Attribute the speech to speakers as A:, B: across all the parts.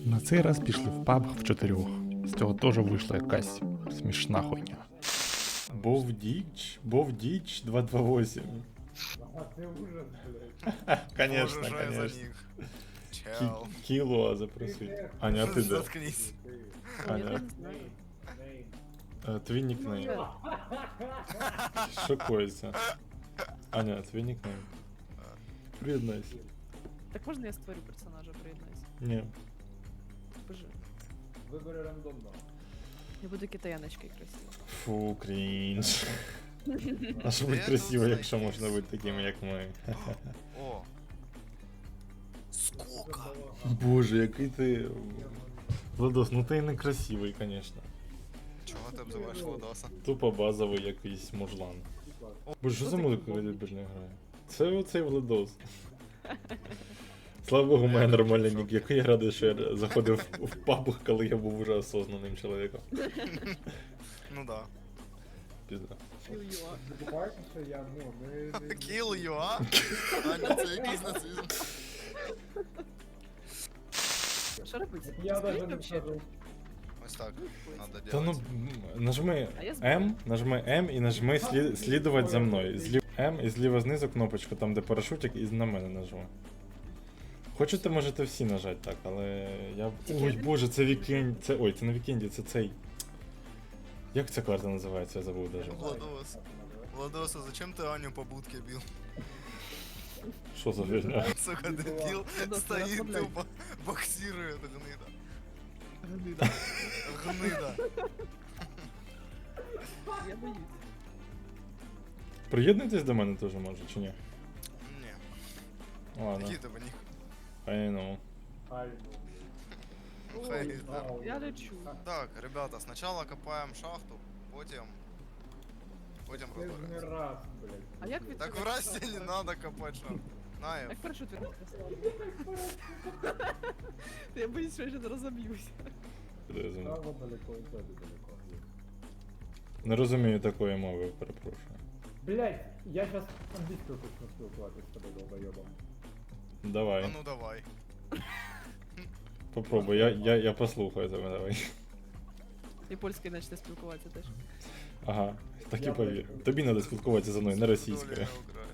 A: На цей раз пішли в паб в чотирьох. З цього теж вийшла якась смішна хуйня. Бовдіч 228.
B: А це ужас, блядь.
A: Конечно,
C: Боже, что я за
A: конечно.
C: них? Чел.
A: Кіло запросить. Аня, а ти де?
C: Заткнись.
A: Аня,
B: Нейм.
A: твій нікнейм. Шокується. Аня, твій нікнейм. Приєднайся.
D: Так можна я створю персонажа, приєднайся?
A: Ні.
D: Боже,
B: Вибери рандомно.
D: я буду китаяночкою красиво.
A: Фу, крінж. А що бути
C: Де
A: красиво,
C: тут
A: якщо
C: знайти
A: можна бути такими, як ми.
C: О. Сколько?
A: Боже, який ти... Владос, ну ти і не красивий, конечно.
C: Чого ти обзиваєш Владоса?
A: Тупо базовий якийсь мужлан. Боже, що за музика дебільна грає? Це оцей Владос. Слава Богу, моя нормальна нік. Який я радий, що я заходив в паб, коли я був уже осознаним чоловіком.
C: Ну да.
A: Пізда.
D: Ю-ю-а.
B: Забувайте, що я, ну, не...
C: Kill you, а? Аня, це якийсь нацизм.
D: Що робиться?
B: Я
D: Скажіть
B: даже не
D: вообще.
B: скажу.
C: Ось так надо
A: Та ну,
C: делать.
A: нажми
D: А я знаю.
A: нажми М і нажми слідувати за мною. М і зліва знизу кнопочку, там де парашутик, і на мене нажми. Хочете, можете всі нажати так, але я... Ой, боже, це вікенд... Це... Ой, це не вікенді, це цей... Як ця карта називається, я забув даже.
C: Владос. Владос, а зачем ты Аню по будке бил?
A: Що за фігня?
C: Сука, дебил,
D: Владос,
C: стоит
D: расслабляйся.
C: тупо, боксирует, гнида.
D: Гнида.
C: Гнида.
D: Я боюсь.
A: Приєднуйтесь до мене теж може, чи ні?
C: Не,
A: Ладно,
C: какие-то в них.
A: I know.
B: Ай, ну.
C: Хай,
B: Ой,
C: да.
B: ау.
D: Я лечу.
C: Так, ребята, сначала копаем шахту, потім
B: Це ж не
C: розберемося.
B: раз, блядь.
D: А як від
C: Так
D: цього
C: в Расте не
D: відмовитися?
C: надо копать шахту. Наев.
D: Як парашут відкрити? Я боюсь, що я ще розоб'юсь.
A: Куди я зумів?
B: Право далеко і тебе далеко.
A: Не розумію такої мови, перепрошую.
B: Блядь, я щас англійською почну спілкуватися з тобою, долбойобом.
C: А
A: Давай,
C: ну давай.
A: попробуй, я послухаю тебе, давай.
D: І польською почне спілкуватися теж.
A: Ага, так і
B: Я
A: повір.
B: бачу.
A: Тобі треба спілкуватися зі мною, не російською.
C: Доля играет.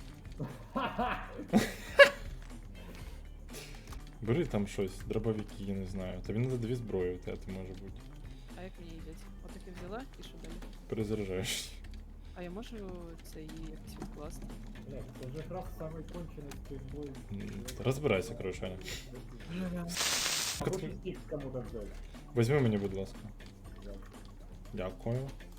A: Бери там щось, дробовики, я не знаю. Тобі треба дві зброї, у тебе може бути.
D: А як мені їздять? Отаке взяла і що далі?
A: Перезаряджаєш.
D: А я можу це її якось відкласти?
B: Блядь, це ж якраз самий кончений стрільбой.
A: Розбирайся, коротше, Аня.
B: Хороший стік кому-то взяти.
A: Візьми мені, будь ласка. Дякую.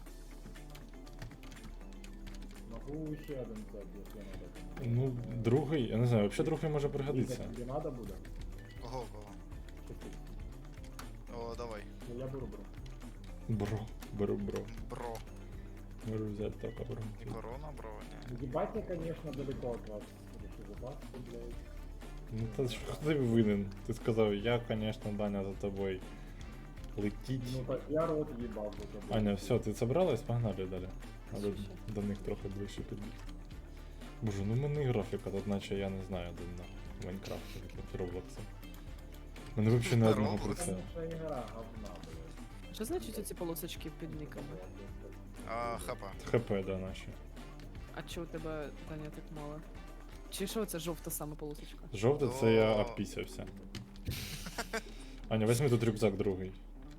B: Могу ще один взяти, якщо надо.
A: Ну, другий, я не знаю, взагалі другий може пригодитися.
B: Тобі надо буде?
C: Кого?
B: Чи ти?
C: О, давай.
B: Ну я беру.
A: Бро, беру,
C: Бро.
A: Беру взяти так, бро.
C: Не корона, бро, не.
B: Ебать я, конечно, далеко от вас. Решил запасться, блядь.
A: Ну та ж хто тобі винен? Ти сказав, я, конечно, Даня, за тобою. Летіть.
B: Ну так я рот ебал за тобой.
A: Аня, все, ти собралась? Погнали далі. Надо
D: Що ще?
A: до них трохи ближче підбігти. Боже, ну в мене і графіка, тут наче я не знаю, де на Майнкрафті, як Роблокса. У мене взагалі не одного про це.
B: Наша игра говна, блядь.
D: Що значить оці полосочки під никами?
C: А, хапа.
A: ХП, да, наші.
D: А чого у тебе, Даня, так мало? Чи що це жовта саме полосочка?
A: Жовте це я
C: О.
A: обпісявся. Аня, візьми тут рюкзак другий.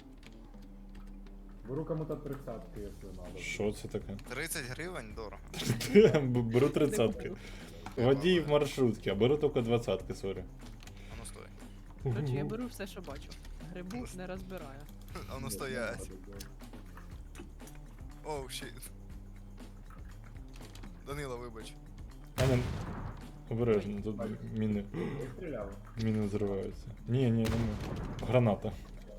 B: Беру кому-то 30-ки, если надо.
A: Що це таке?
C: 30 гривень дорого.
A: Беру 30-ки. Водій в маршрутці, а беру тільки 20-ки, сорі.
C: А ну стой.
D: Короче, я беру все, що бачу. Грибу не розбираю.
C: А ну стоять. Оу, щит. Данила, вибач.
A: Аня, обережно, тут міни.
B: Не стрелял.
A: Міни зриваються. Ні, не ми. Граната.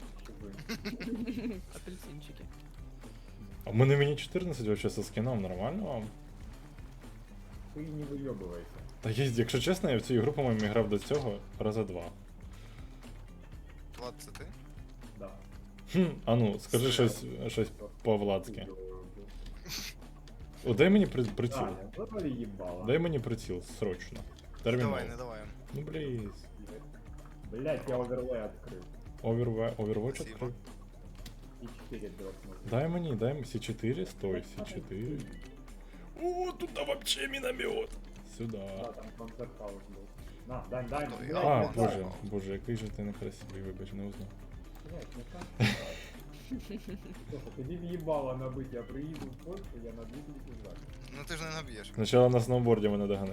D: Апельсинчики.
A: А в мене мені 14 вообще со скином, нормально вам?
B: Ты не выебывайся.
A: Та є, якщо чесно, я в цю ігру, по-моєму, грав до цього раза 2.
C: Влад, це ти?
B: Да.
A: А ну, скажи щось по-владськи. О, дай мені приціл.
B: Аня, забали ебало.
A: Дай мені приціл, срочно.
C: Не
A: Термінал.
C: давай, не давай.
A: Ну, бліз.
B: Блять, я оверлей открыл.
A: Overwatch
C: Спасибо.
A: открив.
B: И 4 дропнул.
A: Дай мені, дай мені С4, стой, С4. О, туда вообще миномет. Сюда.
B: Да, там концерт-хаус был. На, дай,
C: Ой,
B: блядь,
A: А,
B: не
A: боже,
B: знаю.
A: боже, який же ти некрасивий, вибач, не узнав.
B: Блядь, не так. Слушай, ты не въебало набыть, я приеду в Польшу, я набью тебе пиздак.
C: Ну ти ж не наб'єш.
A: Спочатку на сноуборді мене догани.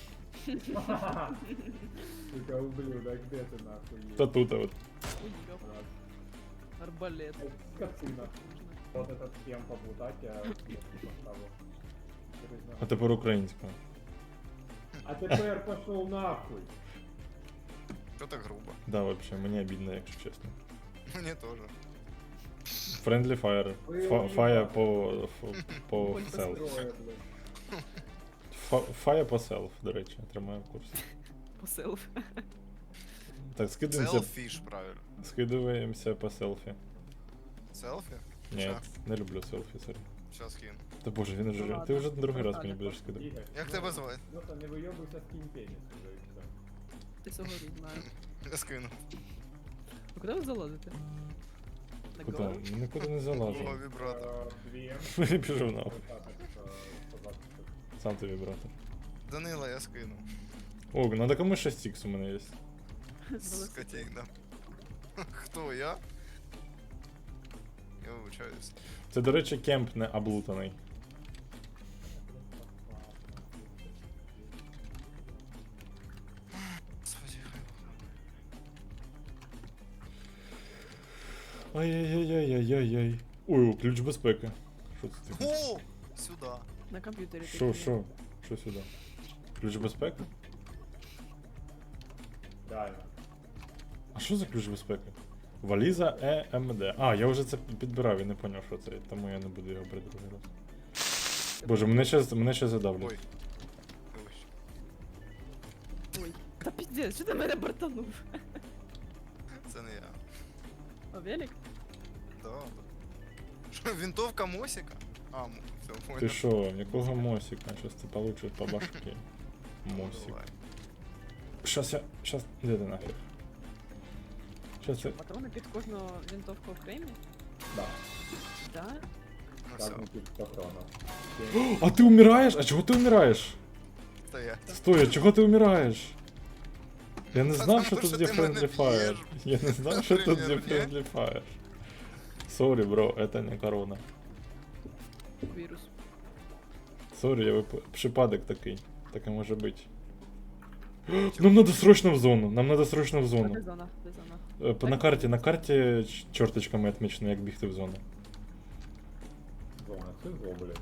B: Сука, ублюдок, где ты нахуй
A: Та
B: есть?
A: тут, от.
D: Ой, ёп, арбалет.
B: Скотина. Вот этот схем поблутать, я поставил.
A: А тепер українською.
B: А теперь пошел нахуй.
C: Що так грубо?
A: Да, вообще, мені обідно, якщо чесно.
C: Мені теж.
A: Friendly fire. Fire по
D: Боль
A: self.
B: Трое, блядь.
A: Fire по self, до речі, тримаю в курсі.
D: Посилив.
A: Так, скидаємося,
C: Селфіш, правильно.
A: скидаємося по селфі.
C: Селфі?
A: Ні,
C: Ща.
A: не люблю селфі, сорі.
C: Щас кину.
A: Та боже, він
D: Ну
A: уже.
D: ладно.
A: Ти вже другий раз мені
D: Ладно,
A: будеш скидати.
B: Игорь,
C: Як
B: ну,
C: тебе звати?
B: Просто не выебывайся, скинь пенис уже и все.
D: Ти цього не знаю.
C: Я скину.
D: А куди ви залазите? На
A: Куди?
D: голову?
A: Нікуди не
C: О,
A: залажу.
C: вібратор.
B: Две.
A: Біжу нахуй.
B: Сказать,
A: Сам ти вібратор.
C: Данила, я скину.
A: О, надо кому 6х у мене є.
C: Скотик, да. Хто, я? Я вибачаюсь.
A: Це, до речі, кемп не облутаний.
C: Господи,
A: Ай-яй-яй-яй-яй-яй. Ой, о, ключ безпеки. Що це таке?
C: О! Сюда.
D: На комп'ютері.
A: Що,
D: такі.
A: що? Що сюди? Ключ безпеки?
B: Да.
A: А що за ключ безпеки? Валіза EMD. А, я вже це підбирав і не поняв, що це, тому я не буду його брати другий раз. Боже, мене ще задавлять.
C: Ой. Вибач.
D: Ой. Та піздець, що ти мене бортанув?
C: Це не я.
D: А велик?
C: Да, да. Що, винтовка Мосіка? А, все, понял.
A: Ти що, якого мосика? Щас ти получиш по башке. Мосик.
C: Давай.
A: Щас. Де ти нафіг? Щас я...
D: Патрони під кожну винтовку окремі?
B: Да.
D: Да?
C: Ну все,
B: Как тип патронов.
A: А ти умираєш? А чого ти умираєш?
C: стоять.
A: Стой, а чого ти умираєш? Я не
C: Та
A: знав, що
C: тому
A: тут
C: що
A: є
C: ти мене
A: Friendly Fire.
C: б'єш.
A: Я не знав, що тут є
C: Наприклад, ні?
A: Friendly Fire. Сорі, бро, это не корона.
D: Вірус.
A: Сорі, я припадок такий. Таке може бути. Нам надо срочно в зону. Нам надо срочно в
D: А
A: зону.
D: де зона? Де зона?
A: На карті чорточками відмічено, як бігти в зону.
B: Зона, це зло, блядь.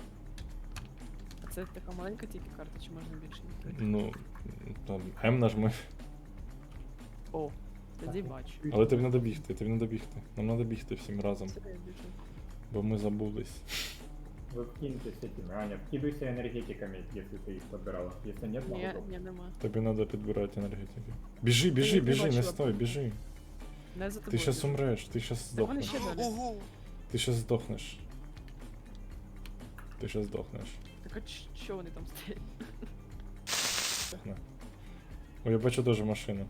D: А це така маленька тільки карта, чи можна більше відкрити?
A: Ну, там М нажми.
D: О, тоді бачу.
A: Але тобі треба бігти, Нам треба бігти всім разом,
D: Це я біжу.
A: бо ми забулись.
B: Вы вкиньтесь этими, Аня, вкидывайся энергетиками, если ты их подбирала. Если нет, могу
D: Ні,
B: пробовать.
D: ні, нема.
A: Тобі треба підбирати енергетики. Біжи,
D: не
A: не
D: бачила
A: стой,
D: просто.
A: біжи.
D: Не за
A: Ти
D: тобою.
A: щас умреш, ти щас
D: Так вони
A: здохнеш.
D: ще далі.
C: Ого!
A: Ти щас здохнеш. Ти щас здохнеш.
D: Так а що вони там стоять?
A: Здохне. Ой, я бачу теж машину.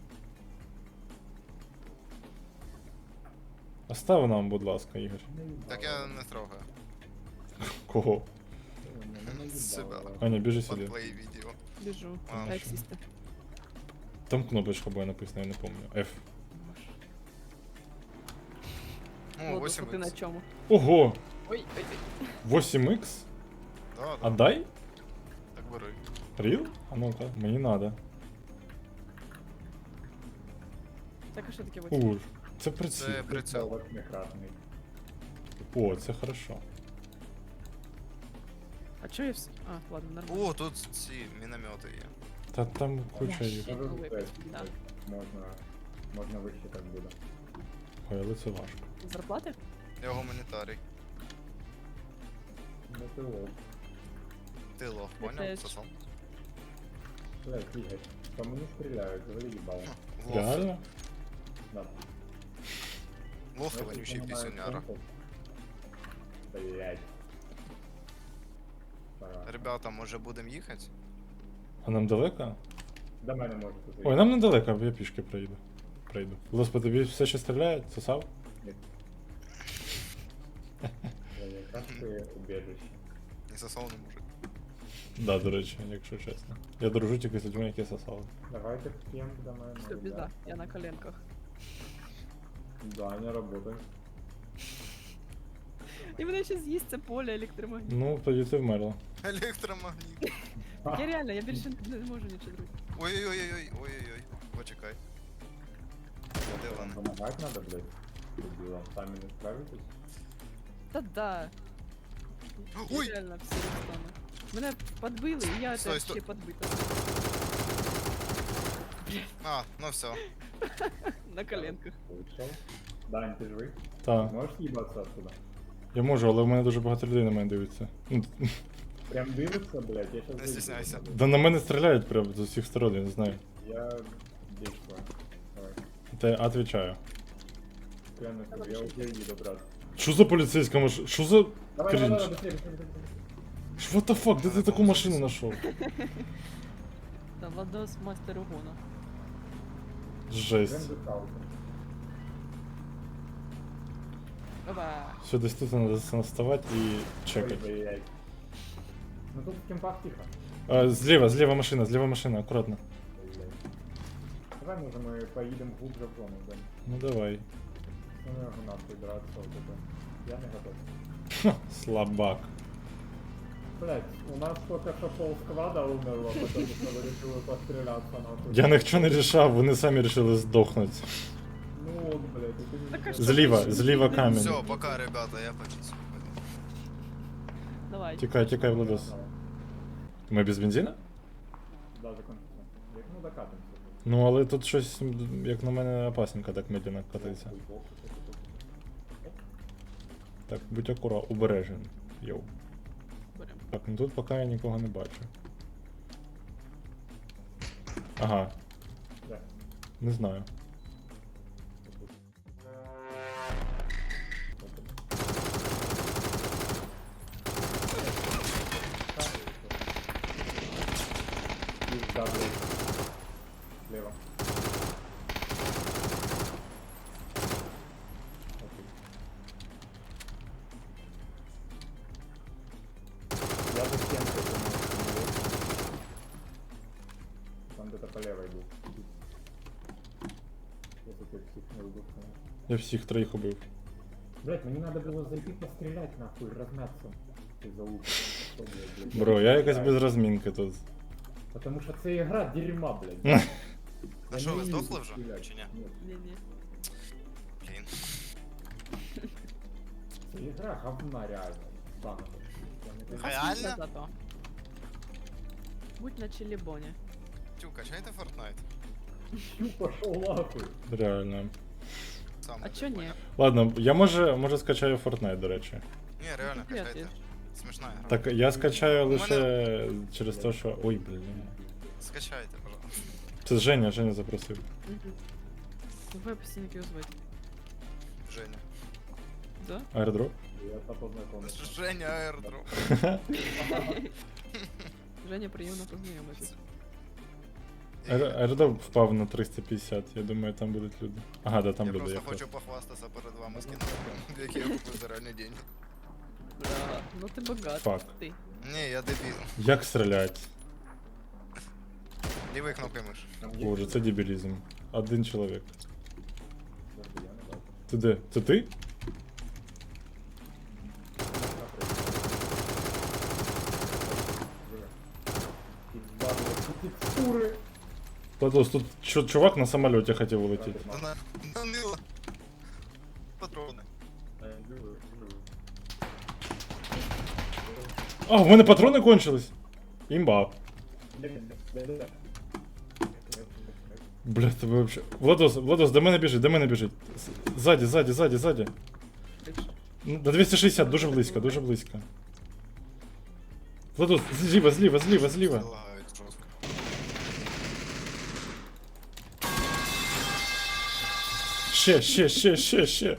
A: Остав нам, будь ласка, Ігор.
C: Так я не трогаю.
A: Кого?
C: Себя.
A: Аня, біжи
C: Под
A: сюди.
C: твої відео.
D: Біжу.
C: А,
D: А як сісти?
A: Там кнопочка була написана, я не пам'ятаю. F.
C: О,
D: Ладно,
C: 8
D: ти на чому?
A: Ого!
D: Ой, ой, ой.
A: 8х?
C: Да,
A: А
C: да.
A: дай?
C: Так бери.
A: Ріл? А ну-ка, мені надо.
D: Так а що таке вот?
A: Ур. Це приціл.
C: Це прицел.
B: Восьмикратный.
A: О, це хорошо.
D: А чо я вс... А, ладно, нормально.
C: О, тут ці міномети є.
A: Та там куча їх.
B: Даже
D: Новый
B: встать,
D: да.
B: можно высчитать буде.
A: Ой, але це важко.
D: Зарплати?
C: Я гуманітарій.
B: Ну ты лох.
C: Ти лох,
D: Я
C: понял?
D: теж.
C: Сосом.
B: Блядь, Игорь, по мне стреляют, говори ебало.
C: Лох.
A: Реально?
B: Да.
C: Лох
B: Ну, если
C: вонючий
B: понимаю,
C: пісюняра.
B: темпу. Блядь. Пора.
C: Ребята, може будемо їхати?
A: А нам далеко?
B: До мене можете
A: Ой, нам недалеко, я пішки проїду. прийду. Лос, по тобі все ще стріляє? Сосав?
B: Я якраз твоє убежище.
C: Не сосал не мужик.
A: Да, до речі, якщо чесно. Я дружу тільки з людьми, які сосали.
B: Давайте в кем до мене.
D: Все, біда, я на коленках.
B: Да, не работает.
D: І мене ще з'їсть це поле електромагніт.
A: Ну, тоді ти вмерла.
C: Электромагнит.
D: Я реально, я більше не можу нічого зробити.
C: Ой-ой-ой-ой, ой-ой-ой. Почекай. Де вони?
B: Помогать надо, блядь. Дебилам, сами не справитесь.
D: Та-да.
C: Ой!
D: Я реально всі розстану. Мене підбили, і я
C: Стой,
D: теж
C: стой.
D: ще підбита.
C: А, ну все.
D: На коленках.
B: Вышел. Дань, ты живый?
A: Та.
B: Можешь ебаться оттуда?
A: Я можу, але в мене дуже багато людей на мене дивиться. Ну,
B: Прям дымится, блядь, я сейчас
C: Не стесняйся.
A: да на мене стріляють прям з усіх сторон, я не знаю.
B: Я действую. Давай.
A: Та я отвечаю.
B: Клянусь, я уже еду, брат.
A: Що за поліцейська машина? Що за
B: Давай,
A: крінж?
B: давай, быстрее, быстрее.
A: What the fuck? Де ти таку машину знайшов?
D: Та Владос мастер угону.
A: Жесть.
D: Опа.
A: Все, десь тут треба наставати і чекати.
B: Ой-ой-ой. Ну тут в кемпах тихо.
A: Зліва машина, акуратно.
B: Ой-ой. Давай, може, ми поїдемо глубже в зону, да?
A: Ну давай.
B: Ну, не можу нахуй драться, вот это. Я не готов.
A: Ха, слабак.
B: Блять, у нас только что пол сквада умерло, потому что вы решили постреляться нахуй.
A: Я ніхто не рішав, вони самі вирішили здохнути.
B: Ну вот, блять, это не...
D: Так, а що?
A: Зліва камінь.
C: Все, пока, ребята, я почистил.
D: Давай.
A: Тікай, Владос. Ми без бензина?
B: Да, закончится. Ну, докатимся.
A: Ну, але тут щось, як на мене, опасненько так медленно катається. Так, будь обережен. Йоу.
D: Берем.
A: Так, ну тут поки я нікого не бачу. Ага,
B: Да.
A: не знаю.
B: Да, блядь. Слева. Окей. Я за стенкой, по-моему, там где-то по левой был. Если ты всех не убил, конечно.
A: Я всіх троїх убив.
B: Блять, мне надо было зайти пострелять нахуй, размяться. Из-за лука. Что, блядь?
A: Бро, я якось без розмінки тут.
B: Потому что це игра дерьма, блядь.
C: А
B: Я
C: що,
B: не
C: ви
B: вмію
C: здохли вже?
B: стріляти.
C: Чи ні?
B: Ні.
D: Ні-ні.
C: Блін.
B: Це ігра говна реально. Банка. Я не знаю.
C: Реально?
D: Посмійся зато. Будь на челебоні.
C: Тю, качайте Fortnite.
B: Чу, пошел нахуй.
A: Реально.
C: Сам
D: А
C: не
D: чо ні?
C: понял.
A: Ладно, я може скачаю Fortnite, до речі.
C: Ні, реально,
D: Ні,
C: качайте.
D: ти-
C: Смішна гра.
A: Так, я скачаю
C: У мене-
A: лише через те, що. Ой, блін.
C: Скачайте, пожалуйста.
A: Це Женя запросив.
D: Угу. Ви постійно його звати.
C: Женя.
D: Да?
A: Аердроп?
B: Я та познайомився.
C: Женя Airdrop.
D: Женя, приємно познайомитися.
A: Аердроп впав на 350, я думаю, там будуть люди. Ага, да, там
C: Я
A: люди
C: просто
A: якраз.
C: хочу похвастатися перед вами скином, які я купив за реальні деньги.
D: Да. Ну ти багатий.
A: Фак.
D: Ти.
C: Ні, я дебіл.
A: Як стрілять?
C: Лівою кнопкою миш.
B: Там є?
A: Боже, це дебілізм. Один чоловік.
B: Подожди, я не бачу.
A: Ти де? Це ти?
B: Пизда, блядь, текстуры.
A: Владос, тут чувак на самоліті хотів улетіти.
C: Та на мило. Патрони.
A: А, в мене патрони кончились! Імба. Бля, тебе вообще. Владос, до мене біжить. Ззаді.
D: Бивши.
A: Ну, на 260, дуже близько. Владос, зліва.
C: Лагають жорстко.
A: Ще.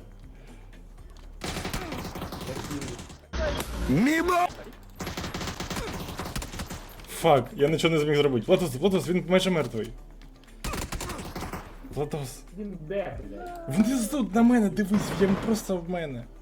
A: Фак, я нічого не зміг зробити. Владос, він майже мертвий. Владос.
B: Він де, блядь?
A: Внизу на мене дивись, він просто в мене.